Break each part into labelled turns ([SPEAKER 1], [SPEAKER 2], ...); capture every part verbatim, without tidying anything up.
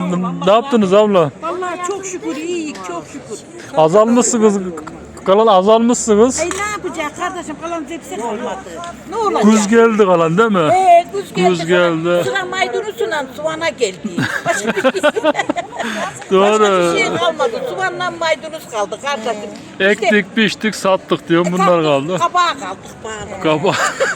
[SPEAKER 1] ne yaptınız abla?
[SPEAKER 2] Vallahi çok şükür iyiyik, çok şükür.
[SPEAKER 1] Azalmışsınız. Kalan azalmışsınız.
[SPEAKER 2] Ey ne yapacak kardeşim, kalan hepsi kalmadı. Ne olacak?
[SPEAKER 1] Kuz geldi kalan değil mi?
[SPEAKER 2] Ee, kuz geldi.
[SPEAKER 1] Kuz geldi.
[SPEAKER 2] Sıra maydanozla soğana geldi. Başka bir şey,
[SPEAKER 1] Doğru.
[SPEAKER 2] başka bir şey kalmadı. Soğanla maydanoz kaldı kardeşim.
[SPEAKER 1] Ektik, biçtik, sattık diyorum. Bunlar kaldı.
[SPEAKER 2] Kabağa kaldık bari.
[SPEAKER 1] Kaba.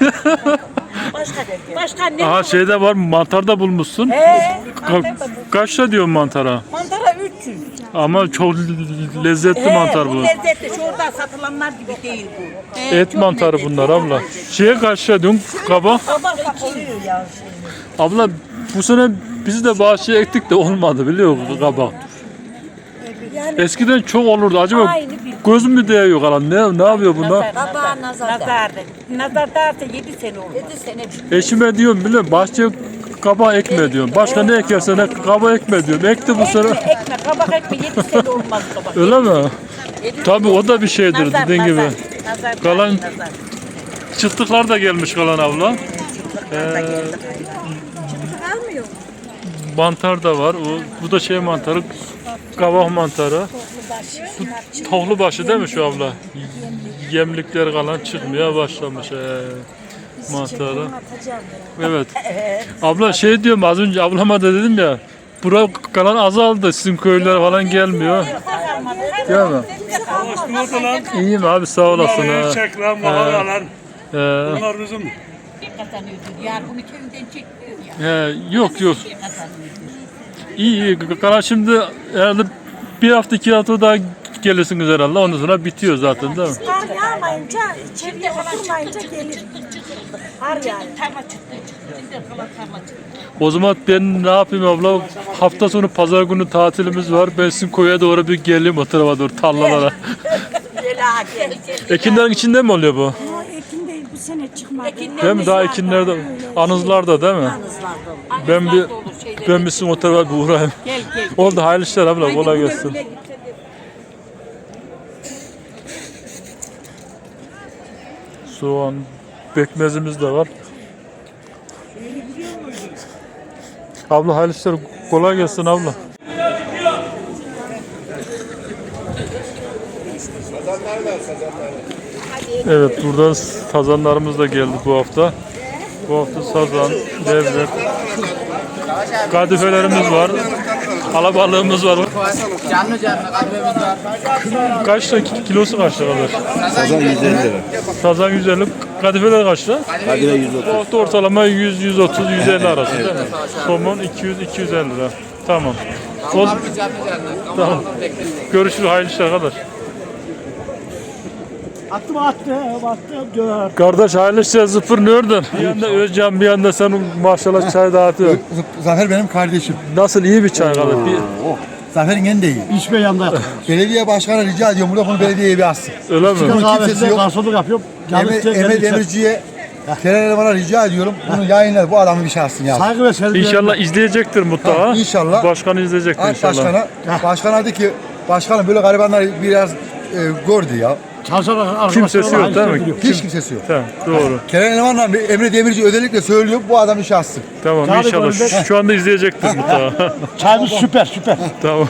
[SPEAKER 2] Başka, başka ne
[SPEAKER 1] Aha
[SPEAKER 2] var?
[SPEAKER 1] şeyde var, mantarda bulmuşsun.
[SPEAKER 2] Ee,
[SPEAKER 1] Ka- kaçta diyorsun mantara?
[SPEAKER 2] mantara üç yüz.
[SPEAKER 1] Ama çok lezzetli
[SPEAKER 2] Ee,
[SPEAKER 1] mantar bu.
[SPEAKER 2] lezzetli. Şurada satılanlar gibi değil bu. Ee,
[SPEAKER 1] Et
[SPEAKER 2] çok
[SPEAKER 1] mantarı
[SPEAKER 2] lezzetli.
[SPEAKER 1] bunlar abla. Şeye kaçta diyorsun kaba?
[SPEAKER 2] Kabak oluyor ya.
[SPEAKER 1] Abla bu sene biz de bahçeye ektik de olmadı biliyor musun kabak?
[SPEAKER 2] Yani
[SPEAKER 1] Eskiden çok olurdu. Acaba
[SPEAKER 2] Aynı bir-
[SPEAKER 1] göz mü değiyor kalan? Ne ne yapıyor bunlar?
[SPEAKER 2] nazar, nazar, nazar, nazar, nazar derse yedi sene olmaz. Yedi sene.
[SPEAKER 1] Eşime diyorum biliyor musun? Bahçeye kabak ekme diyorum. Başka ne ekersen ek, kabak ekme diyorum. Ekti bu sene.
[SPEAKER 2] Ekme, ekme, kabak ekme, yedi sene olmaz kabak.
[SPEAKER 1] Öyle mi?
[SPEAKER 2] Yedi
[SPEAKER 1] Tabii
[SPEAKER 2] sene
[SPEAKER 1] o da bir şeydir
[SPEAKER 2] Nazar,
[SPEAKER 1] dediğin gibi.
[SPEAKER 2] nazar, nazar,
[SPEAKER 1] Kalan-
[SPEAKER 2] nazar.
[SPEAKER 1] Çıtlıklar da gelmiş kalan abla. Ee,
[SPEAKER 2] Almıyor.
[SPEAKER 1] mantar da var. O, bu da şey mantarı. Kabak mantarı. Bu tohlu başı değil mi şu abla? Yemlikler kalan çıkmaya başlamış. Ee, mantarı. Evet. Abla şey diyorum az önce ablama da dedim ya. Bura kalan azaldı. Sizin köylere falan gelmiyor. Değil mi? İyiyim abi sağ olasın. ha.
[SPEAKER 3] Çek lan bakalım lan.
[SPEAKER 1] Ee,
[SPEAKER 3] Bunlar bizim.
[SPEAKER 2] Kazanıyordu. Yani bunu köyden çekmiyor ya.
[SPEAKER 1] he, yok yok.
[SPEAKER 2] Kazanıyordu.
[SPEAKER 1] İyi iyi. Kalan şimdi herhalde bir hafta iki hafta daha gelirsiniz herhalde. Ondan sonra bitiyor zaten değil mi?
[SPEAKER 4] Kar yağmayınca, içeriye oturmayınca gelir. Kar yağıyor.
[SPEAKER 2] Tarla çıktı çıktı. Şimdi kalan tarla çıktı.
[SPEAKER 1] O zaman ben ne yapayım abla? Hafta sonu pazar günü tatilimiz var. Ben sizin koya doğru bir geleyim o tarafa doğru tarlalara.
[SPEAKER 2] Bela gel.
[SPEAKER 1] Ekinlerin içinde mi oluyor bu?
[SPEAKER 4] O ekin değil, bu sene çıkmadı.
[SPEAKER 1] Değil mi? Daha ekinlerde, anızlarda değil mi? Ben bir ben bir sizin o tarafa bir uğrayayım.
[SPEAKER 2] Gel gel.
[SPEAKER 1] Oldu hayırlı işler abla kolay gelsin. Soğan, pekmezimiz de var. Abla hayırlı işler kolay gelsin abla. Evet burada sazanlarımız da geldi bu hafta. Bu hafta sazan, levrek, kadifelerimiz var. Alabalığımız var.
[SPEAKER 5] Canlı canlı kalbimiz var.
[SPEAKER 1] Kaçta kilosu kaçta kadar?
[SPEAKER 6] Sazan yüz elli lira.
[SPEAKER 1] Sazan yüz elli, kadifeler kaçta?
[SPEAKER 6] Kadire yüz otuz.
[SPEAKER 1] Bu hafta ortalama yüz, yüz otuz, yüz elli arası değil mi? Somon iki yüz, iki yüz elli lira. Tamam. O,
[SPEAKER 5] Kalbimiz canlı canlı.
[SPEAKER 1] tamam. Görüşürüz hayırlı işler kadar.
[SPEAKER 3] Attım attı, attı döner.
[SPEAKER 1] Kardeş hayırlı işler zıpır nördün. Bir yanda Özcan bir yanda senin maşallah çay dağıtıyor.
[SPEAKER 6] Zafer benim kardeşim.
[SPEAKER 1] Nasıl iyi bir çay kadar? Bir,
[SPEAKER 6] Oh. Zafer'in en de iyi.
[SPEAKER 3] İçme yanında yap.
[SPEAKER 6] Belediye başkanı rica ediyorum burada bunu belediyeye bir assın.
[SPEAKER 1] öyle mi?
[SPEAKER 6] Bunun kimsesi
[SPEAKER 3] Kahvesinde
[SPEAKER 6] yok.
[SPEAKER 3] garsonluk yapıyorum. Canlı
[SPEAKER 6] Eme,
[SPEAKER 3] istek
[SPEAKER 6] Emre
[SPEAKER 3] gelirse.
[SPEAKER 6] Demirci'ye Kerem Eleman'a rica ediyorum. Bunu yayınlar bu adamı bir şey assın ya.
[SPEAKER 3] Saygı ve sevgi.
[SPEAKER 1] İnşallah izleyecektir mutlaka.
[SPEAKER 6] Ha, inşallah.
[SPEAKER 1] Başkan izleyecektir
[SPEAKER 6] Aç
[SPEAKER 1] inşallah.
[SPEAKER 6] başkana. Başkan dedi ki başkanım böyle garibanlar biraz e, gördü ya.
[SPEAKER 3] Çalışan arkadaşlar.
[SPEAKER 1] Kimsesi yok değil mi?
[SPEAKER 6] Hiç kimsesi yok.
[SPEAKER 1] Tamam doğru.
[SPEAKER 6] Kerem Eleman'la Emre Demirci özellikle söylüyor bu adam işe assın.
[SPEAKER 1] Tamam
[SPEAKER 3] Tabii
[SPEAKER 1] inşallah.
[SPEAKER 3] böyle-
[SPEAKER 1] Şu, şu anda izleyecektir mutlaka.
[SPEAKER 3] Çayımız süper süper.
[SPEAKER 1] Tamam.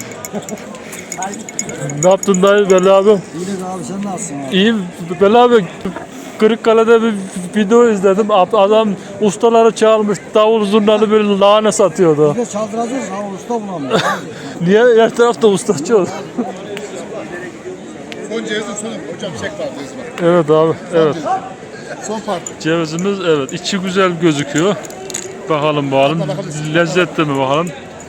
[SPEAKER 1] Ne yaptın dayı Belli abi?
[SPEAKER 6] İyi abi sen nasılsın abi?
[SPEAKER 1] İyiyim. Belli abi Kırıkkale'de bir video izledim. Adam ustaları çağırmış. Davul zurnalı böyle lahana satıyordu.
[SPEAKER 6] Biz çaldıracağız ama usta bulamıyor.
[SPEAKER 1] Niye? Her tarafta ustaçı oldu.
[SPEAKER 6] Son cevizin sonu hocam çek var ceviz var.
[SPEAKER 1] Evet abi. Evet.
[SPEAKER 6] Son parça.
[SPEAKER 1] Cevizimiz evet. İçi güzel gözüküyor. Bakalım bakalım. Lezzetli mi bakalım.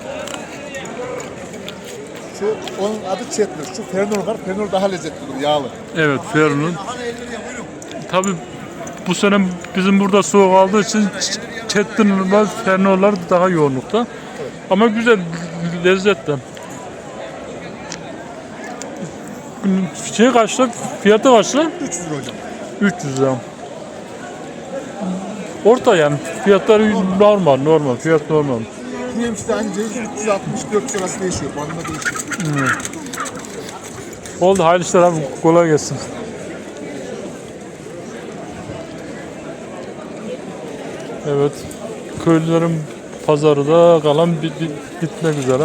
[SPEAKER 6] Şu onun adı Çetnur. Şu Fernur var. Fernur daha lezzetli yağlı.
[SPEAKER 1] Evet Ferun'un. Tabii bu sene bizim burada soğuk aldığı için Çetinler, Fernorlar daha yoğunlukta. Ama güzel, lezzetli. Şey kaçtı? Fiyatı kaçtı?
[SPEAKER 6] üç yüz lira hocam.
[SPEAKER 1] üç yüz lira. Orta yani. Fiyatları normal, normal. Fiyat normal.
[SPEAKER 6] Bu yemişte aynı ceviz üç yüz altmış dört yüz arası değişiyor. Bandında değişiyor.
[SPEAKER 1] Oldu hayırlı işler abi. Kolay gelsin. Evet. Köylülerin pazarı da kalan bit, bit, bitmek üzere.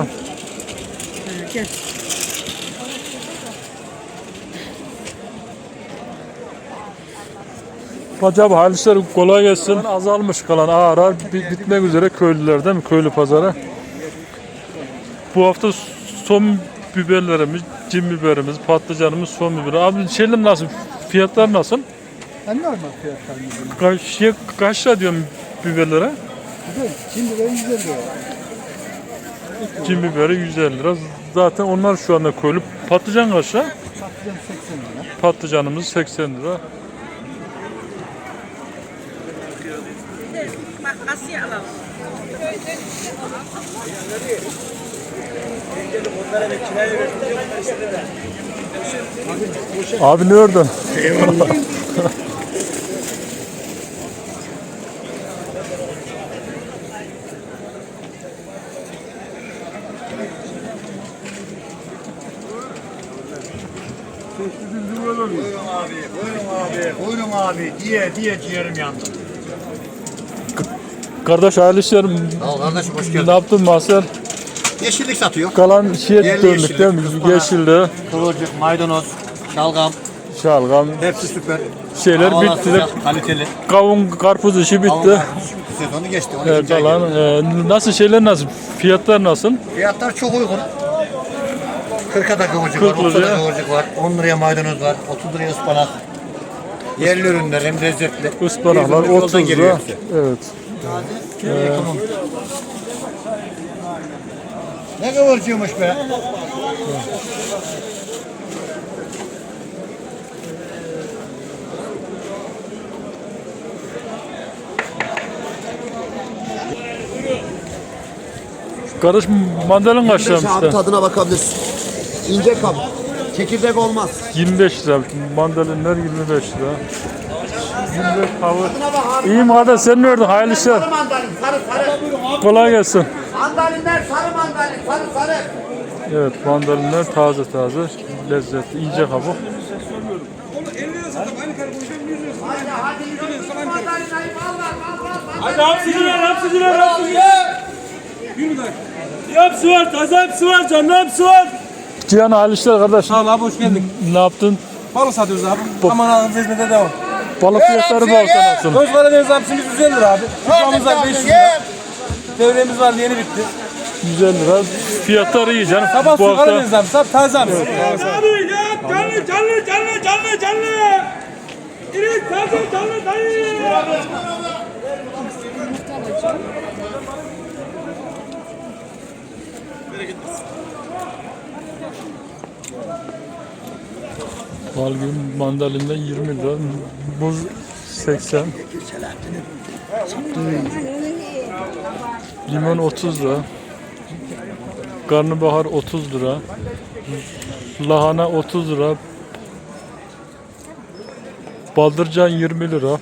[SPEAKER 1] Hacı abi hayırlı işler, kolay gelsin. Azalmış kalan ağır ağır bi- bitmek üzere köylüler değil mi? Köylü pazarı. Bu hafta son biberlerimiz, cin biberimiz, patlıcanımız son biberi. Abi şeyler nasıl? Fiyatlar nasıl?
[SPEAKER 6] En normal fiyatlar.
[SPEAKER 1] Kaç, şey, kaç lira diyorum biberlere?
[SPEAKER 6] Şimdi ben yüz elli lira.
[SPEAKER 1] Cin biberi yüz elli lira. Zaten onlar şu anda köylü. Patlıcan kaç lira?
[SPEAKER 6] Patlıcan seksen lira.
[SPEAKER 1] Patlıcanımız seksen lira. Abi ne ördün?
[SPEAKER 3] Buyurun abi, buyurun abi, buyurun abi diye diye ciğerim yandı.
[SPEAKER 1] Kardeş hayırlı işler.
[SPEAKER 3] Sağ ol kardeşim, hoş
[SPEAKER 1] Ne
[SPEAKER 3] geldin.
[SPEAKER 1] yaptın Mahser?
[SPEAKER 3] Yeşillik satıyor.
[SPEAKER 1] Kalan şeye
[SPEAKER 3] Yerli
[SPEAKER 1] döndük
[SPEAKER 3] yeşillik,
[SPEAKER 1] değil mi?
[SPEAKER 3] ıspanak.
[SPEAKER 1] Yeşilli,
[SPEAKER 3] Kıvırcık, maydanoz, şalgam,
[SPEAKER 1] şalgam,
[SPEAKER 3] hepsi süper.
[SPEAKER 1] şeyler
[SPEAKER 3] Havalar
[SPEAKER 1] bitti.
[SPEAKER 3] sıcak, kaliteli.
[SPEAKER 1] Kavun, karpuz işi bitti.
[SPEAKER 3] Kavun sezonu geçti. on
[SPEAKER 1] Evet,
[SPEAKER 3] ikinci ay
[SPEAKER 1] kalan,
[SPEAKER 3] geliyor.
[SPEAKER 1] e, nasıl şeyler nasıl? Fiyatlar nasıl?
[SPEAKER 3] Fiyatlar çok uygun. kırka da kıvırcık var,
[SPEAKER 1] kırk
[SPEAKER 3] otuz'a da
[SPEAKER 1] liraya.
[SPEAKER 3] kıvırcık var, on liraya maydanoz var, otuz liraya ıspanak. Yerli ürünler hem lezzetli.
[SPEAKER 1] Ispanaklar
[SPEAKER 3] Bir yoldan
[SPEAKER 1] otuz
[SPEAKER 3] geliyor
[SPEAKER 1] lira.
[SPEAKER 3] hepsi.
[SPEAKER 1] Evet.
[SPEAKER 3] Ne kıvırcıymış be?
[SPEAKER 1] Kardeş mandalin kaç lira
[SPEAKER 7] Abi
[SPEAKER 1] işte?
[SPEAKER 7] tadına bakabilirsin. İnce kap. Çekirdek olmaz.
[SPEAKER 1] yirmi beş lira. Mandalinler yirmi beş lira. yirmi beş kavur. İyiyim kardeş, sen ne ördün? Hayırlı işler.
[SPEAKER 3] Sarı mandalin, sarı sarı.
[SPEAKER 1] Kolay gelsin.
[SPEAKER 3] Mandalinler sarı mandalin, sarı sarı.
[SPEAKER 1] Evet, mandalinler taze taze, lezzetli, ince kabuk.
[SPEAKER 3] Hadi hadi yürü, mandalin ayıp al lan, al al.
[SPEAKER 8] Hadi hapsıcılar, hapsıcılar, hapsıcılar. Hepsi var, taze hepsi var, canlı hepsi var.
[SPEAKER 1] Cihan hayırlı işler kardeş.
[SPEAKER 8] Sağ ol abi, hoş geldin.
[SPEAKER 1] Ne yaptın?
[SPEAKER 8] Balık satıyoruz abi. Aman ağzınıza hizmete devam.
[SPEAKER 1] Balık fiyatları bu hafta nasıl?
[SPEAKER 8] Koz Karadeniz hapsimiz yüz elli lira abi. Kutlamız var beş yüz lira. Devremiz var, yeni bitti.
[SPEAKER 1] yüz elli lira. Fiyatları iyi canım.
[SPEAKER 8] Sabah
[SPEAKER 1] Bu
[SPEAKER 8] su
[SPEAKER 1] hafta
[SPEAKER 8] Karadeniz abi, sap taze abi. Abi ya, canlı, canlı, canlı, canlı, canlı. İri, taze, canlı, dayı.
[SPEAKER 1] Balgün mandalinden yirmi lira. Muz seksen. Limon otuz lira. Karnabahar otuz lira. Lahana otuz lira. Baldırcan yirmi lira.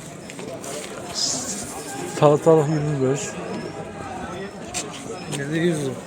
[SPEAKER 1] Salatalık yirmi beş. yüz lira.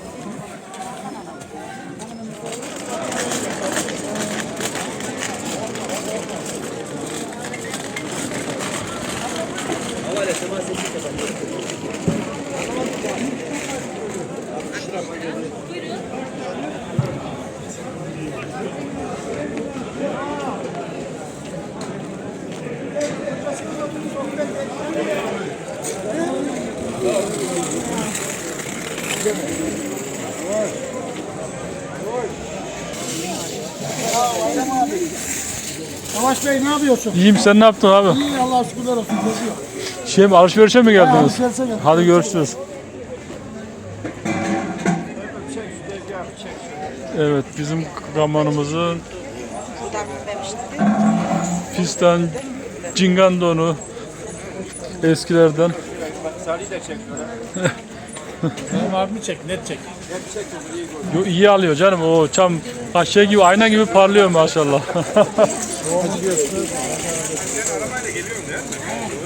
[SPEAKER 3] Savaş Bey ne yapıyorsun?
[SPEAKER 1] İyiyim, sen ne yaptın abi?
[SPEAKER 3] İyi Allah'a şükürler olsun. Geziyor.
[SPEAKER 1] Şey mi, alışverişe mi geldiniz?
[SPEAKER 3] Alışverişe geldim.
[SPEAKER 1] Hadi görüşürüz. Evet, bizim kamanımızın fistan cingan donu eskilerden.
[SPEAKER 3] Benim abimi çek, net çek.
[SPEAKER 1] Yo, iyi alıyor canım, o çam ha, şey gibi, ayna gibi parlıyor maşallah.